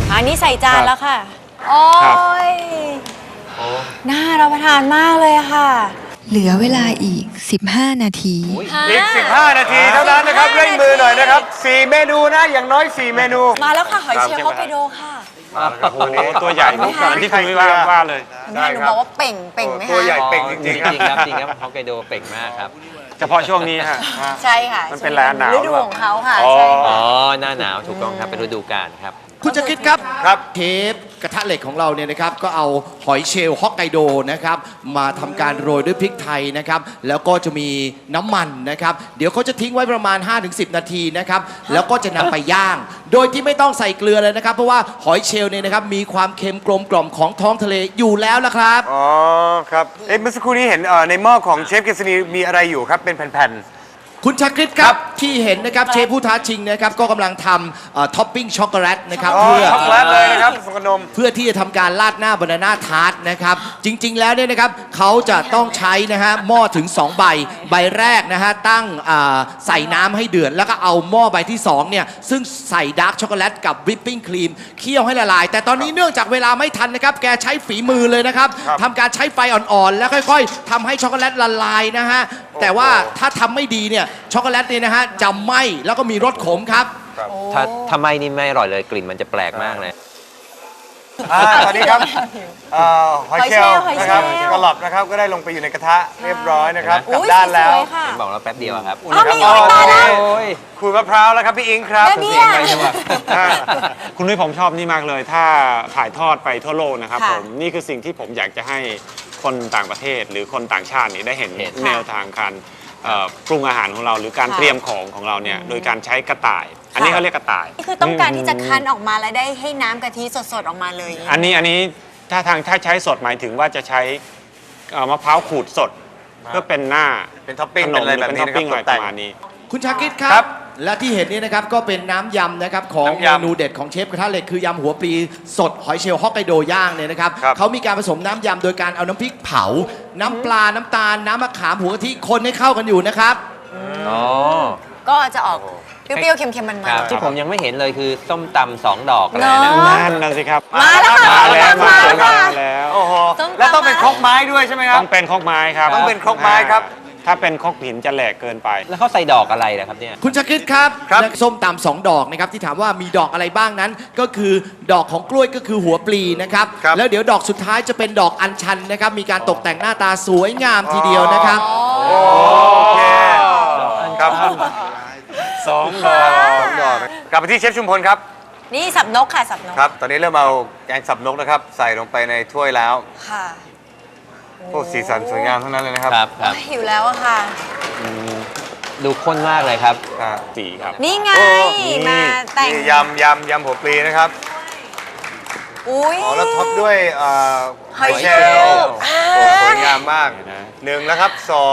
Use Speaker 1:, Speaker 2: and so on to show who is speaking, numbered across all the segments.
Speaker 1: อันนี้ใส่จานแล้วค่ะ โอ้ยน่ารับประทานมากเลยค่ะ
Speaker 2: เหลือเวลาอีก 15 นาที
Speaker 3: อีก 15 นาทีเท่านั้นนะครับเร่งมือหน่อยนะครับ4 เมนูนะอย่างน้อย 4 เมนู
Speaker 1: มาแล้วค่ะหอยเชลล์ฮอกไกโดค่ะ
Speaker 3: โอ้โหตัวใหญ่
Speaker 1: ไหมคะ
Speaker 3: ที่คุณว่าเลย
Speaker 1: คุณแม่หนูบอกว่าเป่งไหมคะ
Speaker 3: ตัวใหญ่เป่งจริงๆครับ
Speaker 4: จริงครับฮอกไกโดเป่งมากครับ
Speaker 3: เฉพาะช่วงนี้ฮะ
Speaker 1: ใช่ค่ะ
Speaker 3: มันเป็นร้านหนาว
Speaker 1: ฤดูของเขาค่ะ
Speaker 3: อ๋อ
Speaker 1: ใช่
Speaker 4: อ๋
Speaker 1: ค่ะ
Speaker 4: อ หน้าหนาวถูกต้องครับ เป็นฤดูกาลครับ
Speaker 5: คุณจะคิดครับ
Speaker 3: ครับ
Speaker 5: เชฟกระทะเหล็กของเราเนี่ยนะครับก็เอาหอยเชลล์ฮอกไกโดนะครับมาทำการโรยด้วยพริกไทยนะครับแล้วก็จะมีน้ำมันนะครับเดี๋ยวเขาจะทิ้งไว้ประมาณ 5-10 นาทีนะครับแล้วก็จะนำไปย่าง โดยที่ไม่ต้องใส่เกลือเลยนะครับเพราะว่าหอยเชลล์เนี่ยนะครับมีความเค็มกลมกล่อมของท้องทะเลอยู่แล้วละครับ
Speaker 3: อ๋อครับเมื่อสักครู่นี้เห็นในหม้อของเชฟเกษณีมีอะไรอยู่ครับเป็นแผ่น
Speaker 5: คุณชาคริตครับที่เห็นนะครับเชฟผู้ท้าชิงนะครับก็กำลังทำท็อปปิ้งช็อกโกแลตนะครับ
Speaker 3: ๆช็อกโกแลตเลยนะครับสขนม
Speaker 5: เพื่อที่จะทำการราดหน้าบานาน่าทาร์ตนะครับจริงๆแล้วเนี่ยนะครับเขาจะต้องใช้นะฮะหม้อถึง2ใบใบแรกนะฮะตั้งใส่น้ำให้เดือดแล้วก็เอาหม้อใบที่2เนี่ยซึ่งใส่ดาร์กช็อกโกแลตกับวิปปิ้งครีมเคี่ยวให้ละลายแต่ตอนนี้เนื่องจากเวลาไม่ทันนะครับแกใช้ฝีมือเลยนะครับทำการใช้ไฟอ่อนๆแล้วค่อยๆทำให้ช็อกโกแลตละลายนะฮะแต่ว่าถ้าทำไม่ดีเนี่ยช็อกโกแลตเนี่ยนะฮะจะไหม้แล้วก็มีรสขมครับ
Speaker 4: ถ้าทำไมนี่ไม่อร่อยเลยกลิ่นมันจะแปลกมากเลย
Speaker 3: ตอนนี้ครับหอยเชลล์
Speaker 1: หอยเชลล์
Speaker 3: นะครับ
Speaker 1: หอยเชลล์
Speaker 3: กระหล่ำนะครับก็ได้ลงไปอยู่ในกระทะเรียบร้อยนะครับกลับ
Speaker 1: อุ๊ย
Speaker 3: ด้านแล้ว
Speaker 1: สวยๆค่ะ
Speaker 4: เห็นบอกแล้วแป๊บเดียวอะครับ
Speaker 1: อ้าวมีอีกตายแล้ว
Speaker 4: โอ้ย
Speaker 3: ขูดมะพร้าวแล้วครับพี่อิงครับ
Speaker 1: แม่เบี้ย
Speaker 6: คุณนุ้ยผมชอบนี่มากเลย ถ้าถ่ายทอดไปทั่วโลกนะครับ
Speaker 1: ค่ะ
Speaker 6: ผมนี่คือสิ่งที่ผมอยากจะให้คนต่างประเทศหรือคนต่างชาตินี่ได้เห็น
Speaker 4: เห็น
Speaker 6: แนวทางการปรุงอาหารของเรา หรือการ
Speaker 1: ค่ะ
Speaker 6: เตรียมของเราเนี่ยโดยการใช้กระต่าย อันนี้เขาเรียกกระต่าย
Speaker 1: นี่คือต้องการที่จะคั้นออกมาแล้วได้ให้น้ำกะทิสดๆออกมาเลย
Speaker 6: อันนี้ถ้าใช้สดหมายถึงว่าจะใช้มะพร้าวขูดสด เพื่อเป็นหน้า
Speaker 3: เป็นท็อปปิ้ง
Speaker 6: ขน
Speaker 3: เป็น
Speaker 6: ม
Speaker 3: อะไร
Speaker 6: ห
Speaker 3: แบ
Speaker 6: รื
Speaker 3: บ
Speaker 6: เป็น
Speaker 3: นี้
Speaker 6: ท็อป
Speaker 3: นะครั
Speaker 6: ปิ้
Speaker 3: บ
Speaker 6: ง
Speaker 3: ต
Speaker 6: อะไร
Speaker 3: ก
Speaker 6: ป
Speaker 3: แต่ง
Speaker 6: ระมาณนี้
Speaker 5: คุณชาคิดค
Speaker 3: ครั
Speaker 5: รับ
Speaker 3: บ
Speaker 5: และที่เห็นนี่นะครับก็เป็นน้ำยำนะครับของ
Speaker 3: น้ำ
Speaker 5: เม
Speaker 3: ยำ
Speaker 5: นูเด็ดของเชฟกระทะเหล็กคือยำหัวปลีสดหอยเชลล์ฮอกไกโดย่างเนี่ยนะครับ
Speaker 3: ครับ
Speaker 5: เขามีการผสมน้ำยำโดยการเอาน้ำพริกเผา น้ำปลาน้ำตาลน้ำมะขามหัวกะทิคนให้เข้ากันอยู่นะครับ
Speaker 4: อ๋อ
Speaker 1: ก็จะออกเปรี้ยวๆเค็มๆมัน
Speaker 4: ครับที่ผมยังไม่เห็นเลยคือส้มตำ2 ดอกอะไร
Speaker 1: เนา
Speaker 4: นะ
Speaker 1: ะ
Speaker 6: นั่นนะสิครับ
Speaker 1: มาแล้วค่ะ
Speaker 6: มาแล้ว
Speaker 1: มาแล้วค่ะ
Speaker 6: มาแล้ว
Speaker 3: โอ้โห
Speaker 1: ส้มตำ
Speaker 3: แล้วต้องเป็นครกไม้ด้วยใช่ไหมครับ
Speaker 6: ต้องเป็นครกไม้ครับ
Speaker 3: ต้องเป็นครกไม้ครับ
Speaker 6: ถ้าเป็นครกหินจะแหลกเกินไป
Speaker 4: แล้วเขาใส่ดอกอะไรนะครับเนี่ย
Speaker 5: คุณชาคิดครับ
Speaker 3: ครับ
Speaker 5: และส้มตำ2 ดอกนะครับที่ถามว่ามีดอกอะไรบ้างนั้น ก็คือดอกของกล้วยก็คือหัวปลีนะครับ
Speaker 3: ครับ
Speaker 5: แล้วเดี๋ยวดอกสุดท้ายจะเป็นดอกอัญชันนะครับมีการตกแต่งหน้าตาสวยงามทีเดียวนะครับ
Speaker 3: โอเคครับ
Speaker 6: สองดอก
Speaker 3: สองดอกกลับไปที่เชฟชุมพลครับ
Speaker 1: นี่สับนกค่ะสับนก
Speaker 3: ครับ ตอนนี้เริ่มเอาแกงสับนกนะครับ ใส่ลงไปในถ้วยแล้ว
Speaker 1: ค่ะ
Speaker 3: โอ้สีสันสวยงามทั้งนั้นเลยนะครับ
Speaker 4: ครับครับ
Speaker 1: หิวแล้วอะค่ะ
Speaker 4: ดูข้นมากเลยครับ
Speaker 3: อ่า
Speaker 6: สีครับ
Speaker 1: นี่ไง
Speaker 3: โอ้
Speaker 1: มาแต่ง
Speaker 3: นี่ยำหัวปลีนะครับ
Speaker 1: อุ้ย
Speaker 3: อ๋อแล้วท็อปด้วย
Speaker 1: หอยเชล
Speaker 3: ล
Speaker 1: ล์
Speaker 3: ล์โอ้สวยงามมากหนึ่งแล้วครับสอง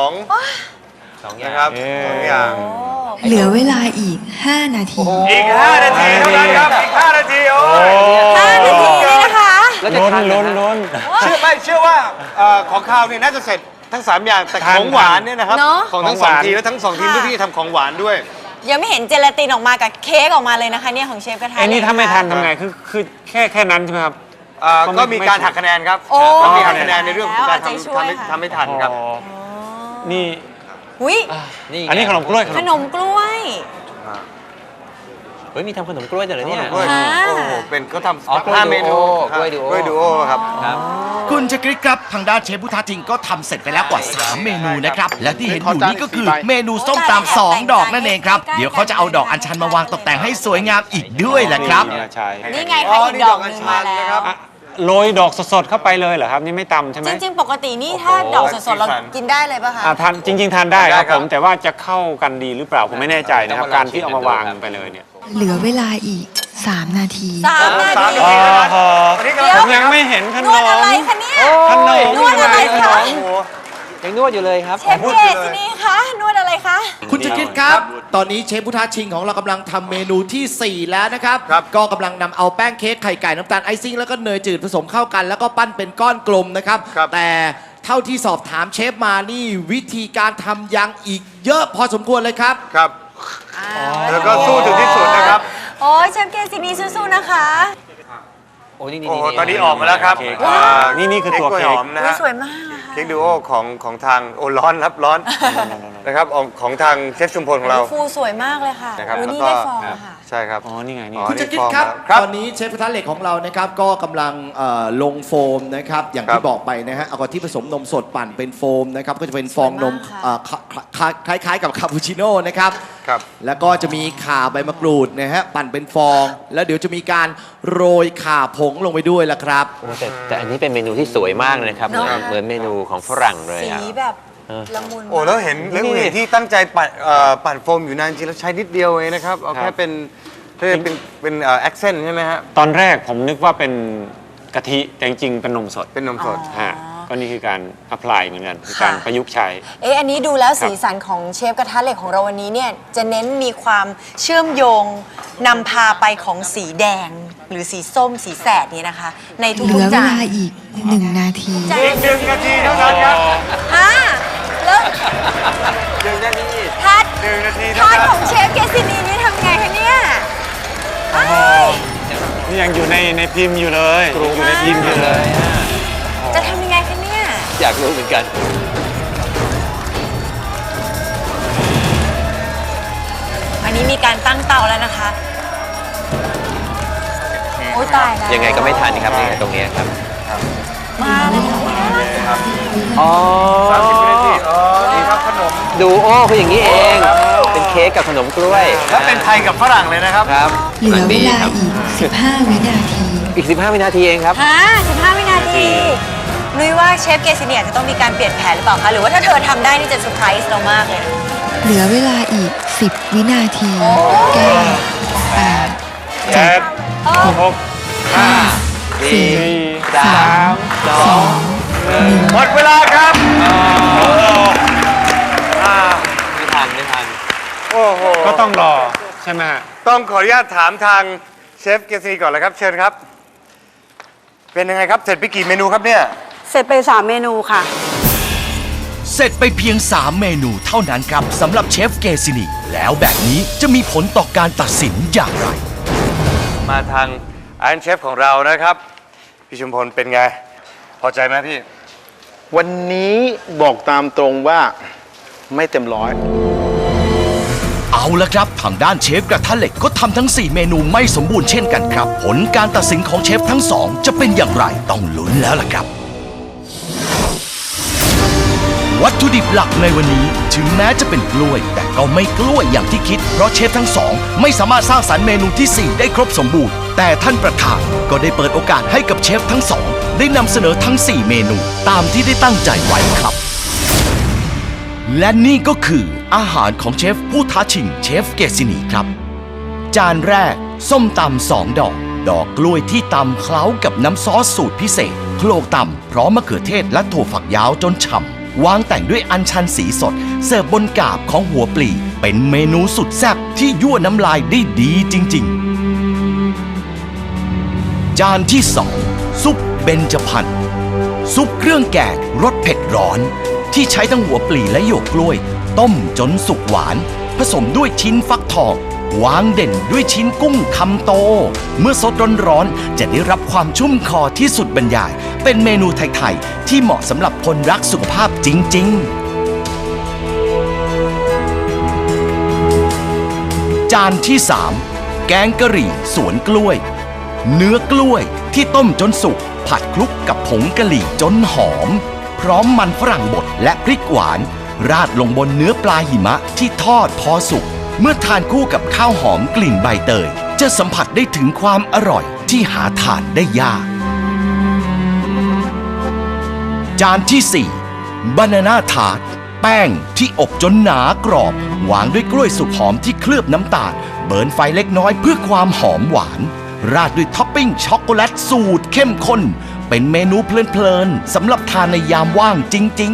Speaker 4: 2 อย่า
Speaker 3: นะ
Speaker 4: ง
Speaker 3: ครับสองอย่าง
Speaker 2: เหลือเวลาอีก 5 นาที
Speaker 3: อีก 5 นาทีเท่านั้นครับ อีก 5 นาทีโอ้ย
Speaker 1: 5 นาทีเลยนะคะ
Speaker 4: แล้วจะ
Speaker 6: ล้น
Speaker 4: ทาน
Speaker 6: ล้นล้น
Speaker 3: เชื่อว่าของข้าวเนี่ยน่าจะเสร็จทั้ง 3 อย่างแต่
Speaker 6: ทาน
Speaker 3: ของหวานเนี่ยนะครับ
Speaker 1: เนอะ
Speaker 3: ของทั้ง
Speaker 6: ของหวาน
Speaker 3: 2 ทีมและทั้ง 2 ทีมด้วยที่ทำของหวานด้วย
Speaker 1: ยังไม่เห็นเจลาตินออกมากับเค้กออกมาเลยนะคะเนี่ยของเชฟกระทะ
Speaker 6: ไอ้นี่ถ้าไม่ทัน
Speaker 1: ค่ะ
Speaker 6: ทำไงคือแค่นั้นใช่ไหมครับ
Speaker 3: ก็มีการหักคะแนนครับ
Speaker 1: โอ้
Speaker 3: ก็มีหักคะแนนในเรื่องของการ
Speaker 1: แล้วเอาใจช่วยค่ะ
Speaker 3: ทำให้ทันครับ
Speaker 6: อ๋อนี่
Speaker 1: อุ้ย
Speaker 4: นี่ไง
Speaker 6: อันนี้ขนมกล้วย
Speaker 1: ขนมกล้วย
Speaker 4: เฮ้ยมีทำขนมกล้วยด้วยเหรอเนี่ย
Speaker 3: กล้วย
Speaker 1: ค่ะ
Speaker 3: โอ้โหเป็นเขา
Speaker 4: อ๋อ
Speaker 3: ทำ5 เมนู
Speaker 4: กล้วยดูโอ
Speaker 3: กล้วยดูโอครับ
Speaker 4: ครับ
Speaker 5: คุณชาคริตครับทางด้านเชฟผู้ท้าชิงก็ทำเสร็จไปแล้วกว่า 3 เมนูนะครับ และที่เห็นอยู่นี่ก็คือเมนูส้มตำ2 ดอกนั่นเองครับ เดี๋ยวเขาจะเอาดอกอัญชันมาวางตกแต่งให้สวยงามอีกด้วยแหละครับ
Speaker 6: นี่ใช่
Speaker 1: นี่ไง
Speaker 3: อ๋
Speaker 1: คะ
Speaker 3: อ
Speaker 1: อีก
Speaker 3: นี่
Speaker 1: ด
Speaker 3: ด
Speaker 1: อ
Speaker 3: อก ก
Speaker 1: ห
Speaker 3: อัญ
Speaker 1: นึ่ง
Speaker 3: ชั
Speaker 1: มาน แล้
Speaker 3: นะครับ
Speaker 1: ว
Speaker 6: โรยดอกสดๆเข้าไปเลยเหรอครับ นี่ไม่ตำใช่ไหม
Speaker 1: จริงๆ ปกตินี่ถ้าดอกสดๆ เรากินได้เลยป่ะคะ
Speaker 6: ทานจริง ๆ ทานได้ครับ
Speaker 3: ได้ครับ
Speaker 6: ผมแต่ว่าจะเข้ากันดีหรือเปล่าผมไม่แน่ใจนะครับ การที่เอามาวางไปเลยเนี่ย
Speaker 2: เหลือเวลาอีก 3 นาที
Speaker 1: 3 นา
Speaker 3: สาม
Speaker 1: ที
Speaker 3: นาทีเท่านั้นอันนี้กำลัง
Speaker 6: ผมยังไม่เห็นข
Speaker 1: น
Speaker 6: น
Speaker 1: วดอะไร
Speaker 6: ม
Speaker 1: คะเนี่ย
Speaker 6: ขนม
Speaker 1: นวดอะไรคะ
Speaker 3: โอ้โห
Speaker 4: ยังนวดอยู่เลยครับ
Speaker 1: เชฟเกสินี่คะนวดอะไรคะ
Speaker 5: คุณชาคริตครับ ตอนนี้เชฟผู้ท้าชิงของเรากำลังทำเมนูทีสี่ 4 แล้วนะครับ
Speaker 3: ครับ
Speaker 5: ก็กำลังนำเอาแป้งเค้กไข่ไก่น้ำตาลไอซิ่งแล้วก็เนยจืดผสมเข้ากัน แล้วก็ปั้นเป็นก้อนกลมนะครับ แต่เท่าที่สอบถามเชฟมานี่วิธีการทำยังอีกเยอะพอสมควรเลยครับ
Speaker 3: ครับ แล้วก็สู้ถึงที่สุดนะครับ
Speaker 1: โอ้ยเชฟเกสินี่สู้ๆนะคะ
Speaker 4: โอ้นี่
Speaker 3: โอ้โหตอนนี้ออกมาแล้วครับ
Speaker 6: เค้กครับ
Speaker 3: อ่า
Speaker 6: นี่คือตัว
Speaker 3: กล้วย
Speaker 6: เค้
Speaker 3: ห
Speaker 6: ก
Speaker 3: อมนะ
Speaker 1: อุ๊ย
Speaker 3: ฮะ
Speaker 1: สวยมากอะค่ะ
Speaker 3: เค้กดูโอของทางโอ้ร้อนครับร้อนนะครับของทางเชฟชุมพลของเรา
Speaker 1: ฟูสวยมากเลยค่ะ
Speaker 3: นะครับ
Speaker 1: อุ๊ยนี่
Speaker 3: แล้วก็
Speaker 1: ได้ฟองอะค่ะ
Speaker 3: ใช่ครับ
Speaker 6: อ๋อ นี่ไงนี่
Speaker 3: อ๋อ
Speaker 5: คุณจะคิดครับ
Speaker 3: ครับ
Speaker 5: ตอนนี้เชฟกระทะเหล็กของเรานะครับก็กำลังลงโฟมนะครับอย่าง
Speaker 3: ครั
Speaker 5: ที่
Speaker 3: บ
Speaker 5: บอกไปนะฮะเอากะทิผสมนมสดปั่นเป็นโฟมนะครับก็จะเป็นฟองนม
Speaker 1: สวยมากค่ะ
Speaker 5: คล้ายๆกับคาปูชิโน่นะครับ
Speaker 3: ครับ
Speaker 5: แล้วก็จะมีข่าใบมะกรูดนะฮะปั่นเป็นฟอง แล้วเดี๋ยวจะมีการโรยข่าผงลงไปด้วยละครับ
Speaker 4: แต่อันนี้เป็นเมนูที่สวยมากเลยนะครับ
Speaker 1: เนอะ
Speaker 4: เหมือนเมนูของฝรั่งเลย
Speaker 1: สี
Speaker 4: อะ
Speaker 1: แบบละมุน
Speaker 3: โอ้แล้วเห็น
Speaker 4: นี่
Speaker 3: ที่ตั้งใจปั่นโฟมอยู่นานจริงแล้วใช้นิดเดียวเองนะครับเอาแค่เป็นแอคเซนต์ใช่ไหมฮะ
Speaker 6: ตอนแรกผมนึกว่าเป็นกะทิ แต่จริงๆเป็นนมสด
Speaker 3: เป็นนมสด
Speaker 6: ฮะก็นี่คือการอัพพลายเหมือนกันคือการประยุกต์ใช้
Speaker 1: อันนี้ดูแล้วสีสันของเชฟกระทะเหล็กของเราวันนี้เนี่ยจะเน้นมีความเชื่อมโยงนำพาไปของสีแดง หรือสีส้มสีแสดนี้นะคะ ใน
Speaker 2: เห
Speaker 1: ทุ
Speaker 2: ลื
Speaker 1: ก
Speaker 2: อ
Speaker 1: ๆ
Speaker 2: เว
Speaker 1: จาน
Speaker 2: ลาอีก 1 นาที
Speaker 3: อีก1 นาทีเท่านั้นครับ
Speaker 1: ฮะแล้ว
Speaker 3: 1 นาที
Speaker 1: ทัด
Speaker 3: 1 นาที
Speaker 1: ท
Speaker 3: เท่า
Speaker 1: อด
Speaker 3: นั้น
Speaker 1: ของเชฟเกซินีนี่ทำไงคะเนี่ยอ้าย
Speaker 6: นี่ยังอยู่ในพิมพ์อยู่เลยอยู่ในพิมพ์อยู่เลย
Speaker 1: จะทำยังไงคะเนี่ย
Speaker 4: อยากรู้เหมือนกัน
Speaker 1: อันนี้มีการตั้งเตาแล้วนะคะโอ้ยตายแล้ว
Speaker 4: ยังไงก็ไม่ทันครับนี่ตรงเนี้ยครับ
Speaker 1: มาแล้ว
Speaker 4: อ๋อ
Speaker 3: 30 วินาทีอ๋อนี่ครับขนม
Speaker 4: ดูโอ้คืออย่างนี้เอง เป็นเค้กกับขนมกล้วย
Speaker 3: แล้วเป็นไทยกับฝรั่งเลยนะครับ
Speaker 4: ครับ
Speaker 2: เหลือเวลา
Speaker 4: ครับ
Speaker 2: อีก 15 วินาที
Speaker 4: อีก 15 วินาทีเองครับ
Speaker 1: ฮะ15 วินาทีนุ้ยว่าเชฟเกซินีอาจจะต้องมีการเปลี่ยนแผนหรือเปล่าคะ หรือว่าถ้าเธอทำได้นี่จะเซอร์ไพรส์เรามากเลยนะ
Speaker 2: เหลือเวลาอีก 10 วินาที 9 8
Speaker 6: เจ็ด
Speaker 2: 7
Speaker 6: หก
Speaker 2: 5
Speaker 6: สี่
Speaker 2: 4 3 2
Speaker 3: หมดเวลาครับอ่า
Speaker 4: ไม่ทันไม่ทัน
Speaker 3: โอ้โห
Speaker 6: ก็ต้องรอใช่ไหมฮะ
Speaker 3: ต้องขออนุญาตถามทางเชฟเกษรีก่อนเลยครับ เชิญครับ เป็นยังไงครับ เสร็จไปกี่เมนูครับเนี่ย
Speaker 7: เสร็จไป 3 เมนูค่ะ
Speaker 8: เสร็จไปเพียง 3 เมนูเท่านั้นครับสำหรับเชฟเกซินีแล้วแบบนี้จะมีผลต่อการตัดสินอย่างไร
Speaker 3: มาทางไอรอนเชฟของเรานะครับ พี่ชุมพลเป็นไง พอใจไหมพี่
Speaker 9: วันนี้บอกตามตรงว่าไม่เต็มร้อย
Speaker 8: เอาละครับทางด้านเชฟกระทะเหล็กก็ทำทั้ง 4 เมนูไม่สมบูรณ์เช่นกันครับ ผลการตัดสินของเชฟทั้ง 2 จะเป็นอย่างไรต้องลุ้นแล้วล่ะครับ วัตถุดิบหลักในวันนี้ถึงแม้จะเป็นกล้วย แต่ก็ไม่กล้วยอย่างที่คิด เพราะเชฟทั้ง 2 ไม่สามารถสร้างสรรค์เมนูที่ 4 ได้ครบสมบูรณ์ แต่ท่านประธานก็ได้เปิดโอกาสให้กับเชฟทั้ง 2 ได้นำเสนอทั้ง 4 เมนูตามที่ได้ตั้งใจไว้ครับ และนี่ก็คืออาหารของเชฟผู้ท้าชิงเชฟเกซินีครับ จานแรกส้มตำ2 ดอก ดอกกล้วยที่ตำเคล้ากับน้ำซอสสูตรพิเศษ โขลกตำพร้อมมะเขือเทศและถั่วฝักยาวจนฉ่ำวางแต่งด้วยอัญชันสีสด เสิร์ฟบนกาบของหัวปลีเป็นเมนูสุดแซ่บที่ยั่วน้ำลายได้ดีจริงๆ จานที่ 2 ซุปเบญจพรรณซุปเครื่องแกงรสเผ็ดร้อน ที่ใช้ทั้งหัวปลีและหยวกกล้วย ต้มจนสุกหวาน ผสมด้วยชิ้นฟักทอง วางเด่นด้วยชิ้นกุ้งคำโต เมื่อสดร้อนๆจะได้รับความชุ่มคอที่สุดบรรยาย เป็นเมนูไทยๆที่เหมาะสำหรับคนรักสุขภาพจริงๆ จานที่ 3 แกงกะหรี่สวนกล้วย เนื้อกล้วยที่ต้มจนสุกผัดคลุกกับผงกะหรี่จนหอม พร้อมมันฝรั่งบดและพริกหวาน ราดลงบนเนื้อปลาหิมะที่ทอดพอสุก เมื่อทานคู่กับข้าวหอมกลิ่นใบเตย จะสัมผัสได้ถึงความอร่อยที่หาทานได้ยาก จานที่ 4 บานาน่าทาร์ตแป้งที่อบจนหนากรอบ วางด้วยกล้วยสุกหอมที่เคลือบน้ำตาล เบิร์นไฟเล็กน้อยเพื่อความหอมหวาน ราดด้วยท็อปปิ้งช็อกโกแลตสูตรเข้มข้น เป็นเมนูเพลินๆสำหรับทานในยามว่างจริง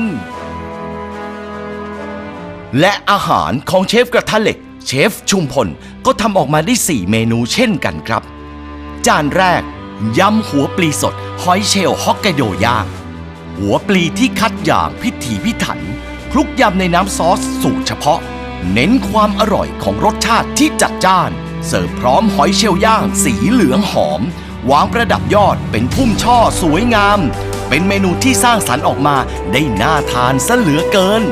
Speaker 8: ๆ และอาหารของเชฟกระทะเหล็ก เชฟชุมพลก็ทำออกมาได้ 4 เมนูเช่นกันครับ จานแรกยำหัวปลีสดหอยเชลล์ฮอกไกโดย่าง หัวปลีที่คัดอย่างพิถีพิถันคลุกยำในน้ำซอสสูตรเฉพาะ เน้นความอร่อยของรสชาติที่จัดจ้าน เสิร์ฟพร้อมหอยเชลล์ย่างสีเหลืองหอมวางประดับยอดเป็นพุ่มช่อสวยงาม เป็นเมนูที่สร้างสรรค์ออกมาได้น่าทานซะเหลือเกิน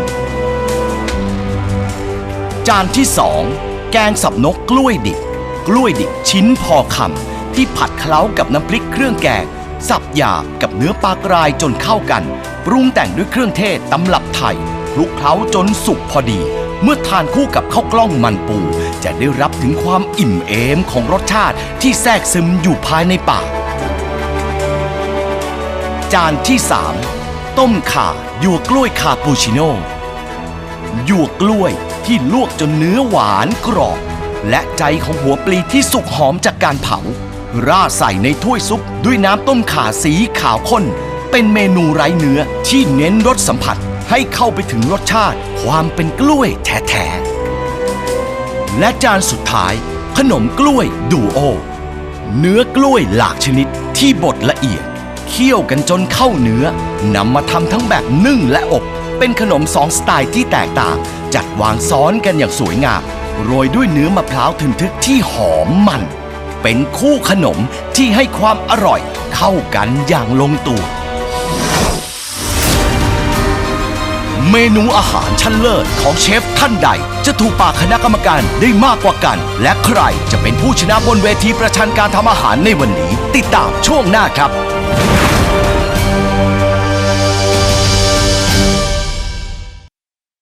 Speaker 8: จานที่ 2 แกงสับนกกล้วยดิบ กล้วยดิบชิ้นพอคำที่ผัดเคล้ากับน้ำพริกเครื่องแกง สับหยาบกับเนื้อปลากรายจนเข้ากัน ปรุงแต่งด้วยเครื่องเทศตำรับไทยคลุกเคล้าจนสุกพอดี เมื่อทานคู่กับข้าวกล้องมันปูจะได้รับถึงความอิ่มเอมของรสชาติที่แทรกซึมอยู่ภายในปาก จานที่ 3 ต้มข่าหยวกกล้วยคาปูชิโน่หยวกกล้วยที่ลวกจนเนื้อหวานกรอบและใจของหัวปลีที่สุกหอมจากการเผาราดใส่ในถ้วยซุปด้วยน้ำต้มข่าสีขาวข้นเป็นเมนูไร้เนื้อที่เน้นรสสัมผัสให้เข้าไปถึงรสชาติความเป็นกล้วยแท้ๆและจานสุดท้ายขนมกล้วยดูโอเนื้อกล้วยหลากชนิดที่บดละเอียดเคี่ยวกันจนเข้าเนื้อนำมาทำทั้งแบบนึ่งและอบเป็นขนม2 สไตล์ที่แตกต่างจัดวางซ้อนกันอย่างสวยงามโรยด้วยเนื้อมะพร้าวทึนทึกที่หอมมันเป็นคู่ขนมที่ให้ความอร่อยเข้ากันอย่างลงตัวเมนูอาหารชั้นเลิศของเชฟท่านใดจะถูกปากคณะกรรมการได้มากกว่ากันและใครจะเป็นผู้ชนะบนเวทีประชันการทำอาหารในวันนี้ติดตามช่วงหน้าครับ